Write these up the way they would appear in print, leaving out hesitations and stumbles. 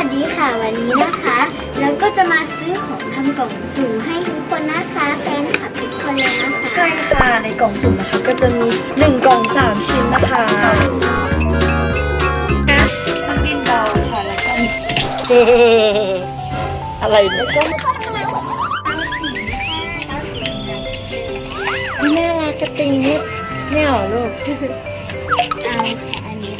วัสดีค่ะวันนี้นะคะเราก็จะมาซื้อของทำกล่องสุ่มให้ทุกคนนะคะแฟนคลับทุกคนเลยนะคะใช่ค่ะในกล่องสุ่มนะคะก็จะมี1กล่อง3ชิ้นนะคะซึ่งดินเบาค่ะแล้วก็มีอะไรเนี่ยก็น่ารักกระติงนิดเนี่ยเหรอลูกเอาค่ะอันนี้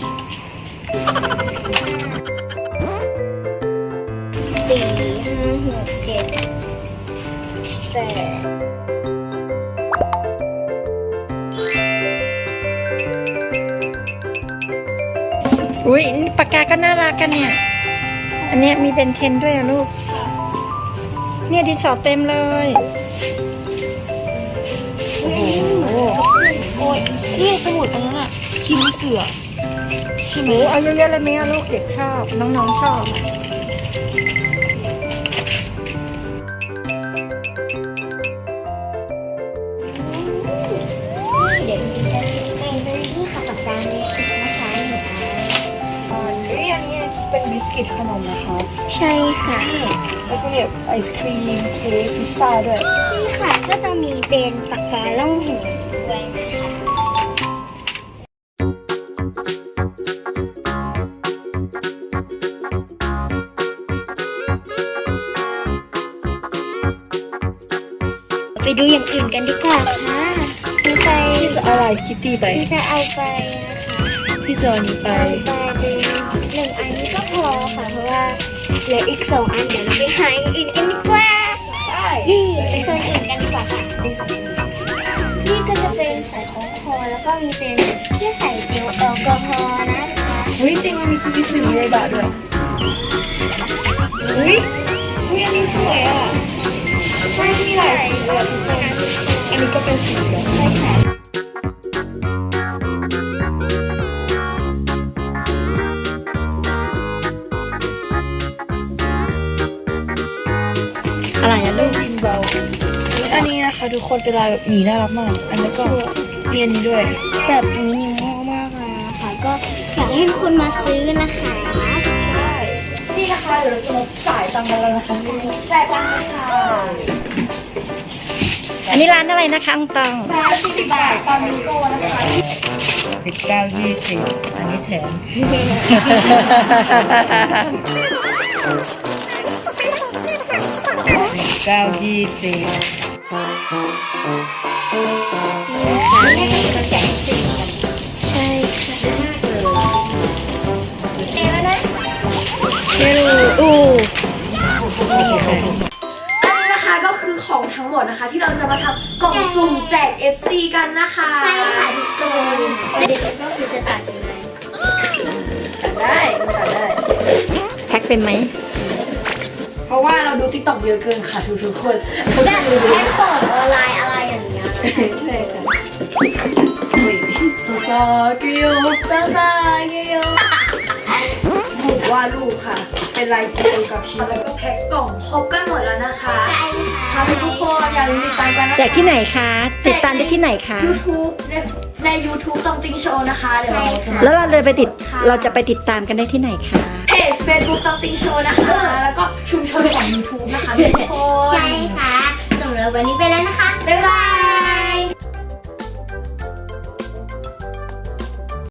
4 5 6 7 อุ้ยปากกาก็น่ารักกันเนี่ยอันเนี้ยมีเบนเทนด้วยอะลูกเนี่ยดินสอเต็มเลยโอ้โหโอ้ยนี่สมุดอันนั้นอะคิมเสือใช่ไหมเอาเยอะๆเลยไหมลูกเด็กชอบน้องๆชอบเดี๋ยวจะเป็นนี่ค่ะปากกาเมจิกนะคะหนูอันนี้เป็นบิสกิตขนมนะคะใช่ค่ะแล้วก็แบบไอศครีมเค้กพิซซ่าด้วยนี่ค่ะก็จะมีเป็นปากกาล่องหนด้วยนะคะไปดูอย่างอื่นกันดีกว่าค่ะพี่จะอะไรคิตตี้ไปพี่จะเอาไปนะคะพี่จะเอานี้ไปเอาไปเป็น1 อันนี้ก็พอค่ะเพราะว่าเหลืออีก2 อันเดี๋ยวเราไปหาอย่างอื่นกันดีกว่านี่ไปโซนอื่นกันดีกว่าค่ะนี่ก็จะเป็นใส่ของคอแล้วก็มีเป็นที่ใส่เจลแอลกอฮอล์นะคะเฮ้ยจริงมันมีซูบิสึในบาทด้วยเฮ้ยอันนี้สวยอ่ะใช่มีหลายสีเลยทุกคนอันนี้ก็เป็นสีเหลืองใช่ค่ะอะไรอะลูกดินเบาอันนี้นะคะทุกคนเป็นลายแบบหมีน่ารักมากอันนี้ก็มีอันนี้ด้วยแบบนี้ง่ายมากเลยนะคะก็อยากให้ทุกคนมาซื้อนะคะใช่นี่นะคะเดี๋ยวเราจะมาจ่ายตังค์กันแล้วนะคะจ่ายตังค์ค่ะอันนี้ร้านอะไรนะคะอังตัง40 บาทตอนนี้โกนะคะ19 20อันนี้แถม19 20 ใช่ค่ะเดี๋ยวนะเจลูอันนี้นะคะก็คือของทั้งหมดนะคะที่เราจะมาทำกล่องสุ่มแจก FC กันนะคะใช่ค่ะทุกคนเด็กก็คือจะตัดยังไงตัดได้แพ็คเป็นไหมเพราะว่าเราดู TikTok เยอะเกินค่ะทุกคนแบบแพ็คสอนออนไลน์อะไรอย่างเงี้ยใช่ค่ะซาเกียวสมุดวาดรูปค่ะเป็นลายเกลียวกับชิ้นแล้วก็แพ็คกล่องครบกันหมดแล้วนะคะใช่ค่ะทุกคนอย่าลืมติดตามกันนะคะแจกที่ไหนคะติดตามได้ที่ไหนคะ YouTube ใน YouTube ตองติงโชว์นะคะเดี๋ยวเราจะแล้วเราจะไปติดตามกันได้ที่ไหนคะเพจ Facebook ตองติงโชว์นะคะแล้วก็ชุมชนของ YouTube นะคะทุกคนใช่ค่ะสำหรับวันนี้ไปแล้วนะคะบ๊ายบาย